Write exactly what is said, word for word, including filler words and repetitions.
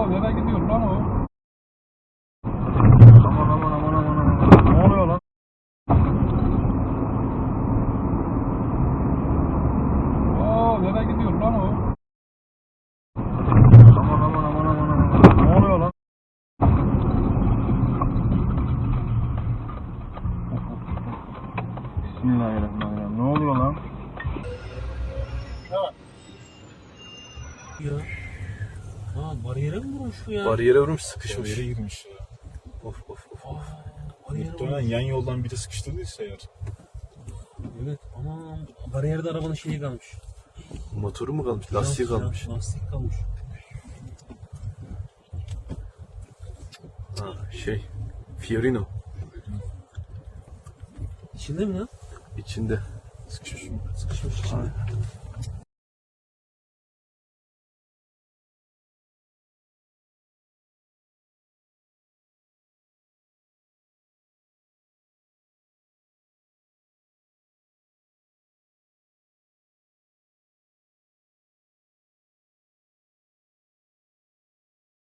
nereye gidiyor lan o? Aman aman aman aman aman. Ne oluyor lan? Oo, nereye gidiyor lan o? Aman aman aman aman aman. Ne oluyor lan? Bismillahirrahmanirrahim. Ne oluyor lan? Ya. Ha, bariyere mi vurmuş bu ya? Bariyere vurmuş, sıkışmış. Bariyere girmiş ya. Of of of. Aa, bariyere Muhtemelen vurmuş. yan yoldan biri sıkıştırdıysa eğer. Evet, aman bariyerde arabanın şeyi kalmış. Motoru mu kalmış? Lastiği Ya, kalmış. Lastik kalmış. Ha, şey. Fiorino. İçinde mi lan? İçinde. Sıkışmış mı? Sıkışmış içinde.